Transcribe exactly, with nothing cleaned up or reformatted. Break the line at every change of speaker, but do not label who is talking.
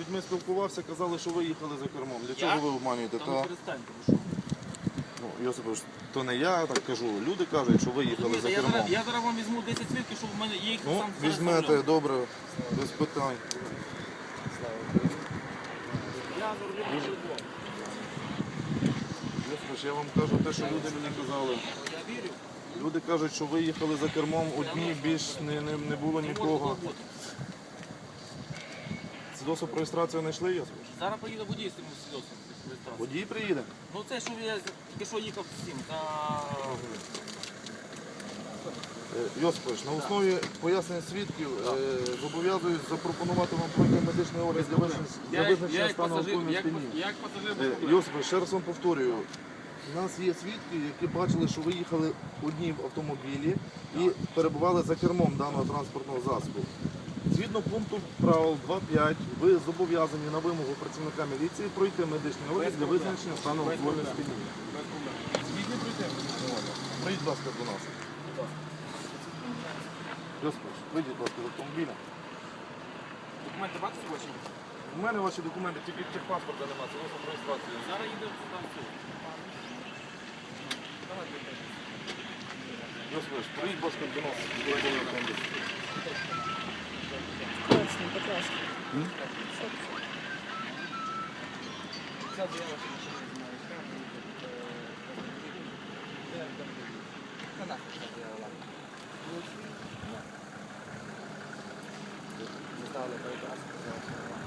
людьми спілкувався, казали, що ви їхали за кермом. Для чого
Я?
ви обманюєте?
Та
Та...
ну перестаньте, ви що?
Ну, Йосипович, то не я так кажу. Люди кажуть, що ви їхали за
Я
кермом.
зараз, я зараз вам візьму десять свідків, щоб в мене є їх
Ну,
сам
візьмете, добре, без питань.
Я за рулем не живу.
Йосипович, я вам кажу те, що люди мені казали.
Я вірю.
Люди кажуть, що ви їхали за кермом одні, більш не, не, не було нікого. Свідоцтво про реєстрацію знайшли, Йосипович?
Зараз поїде водій з цим свідоцтвом. реєстрації.
Водій приїде.
Ну це, що я тільки що їхав з цим. Та...
Е, Йосипович, на основі пояснень свідків е, зобов'язуюсь запропонувати вам пройти медичний огляд для визначення, для визначення стану алкогольного сп'яніння.
як пасажир
Е, Йосипович, ще раз вам повторюю. У нас є свідки, які бачили, що ви їхали одні в автомобілі і перебували за кермом даного транспортного засобу. Згідно пункту правил два п'ять, ви зобов'язані на вимогу працівника міліції пройти медичний огляд для визначення стану алкогольного сп'яніння. Згідні пройти медичний огляд? Прийдіть, будь ласка, до нас. Йосипович, вийдіть, будь ласка, з автомобіля.
Документи бачите ваші?
У мене ваші документи, тільки техпаспорта немає, це просто про реєстрацію.
Зараз їдемо сюди в суд.
Йосипович, прийдіть, будь ласка, до нас. До автомобіля.
Точно, прекрасно.
Ця заява, що ми ще не знаємо. Заставили передати.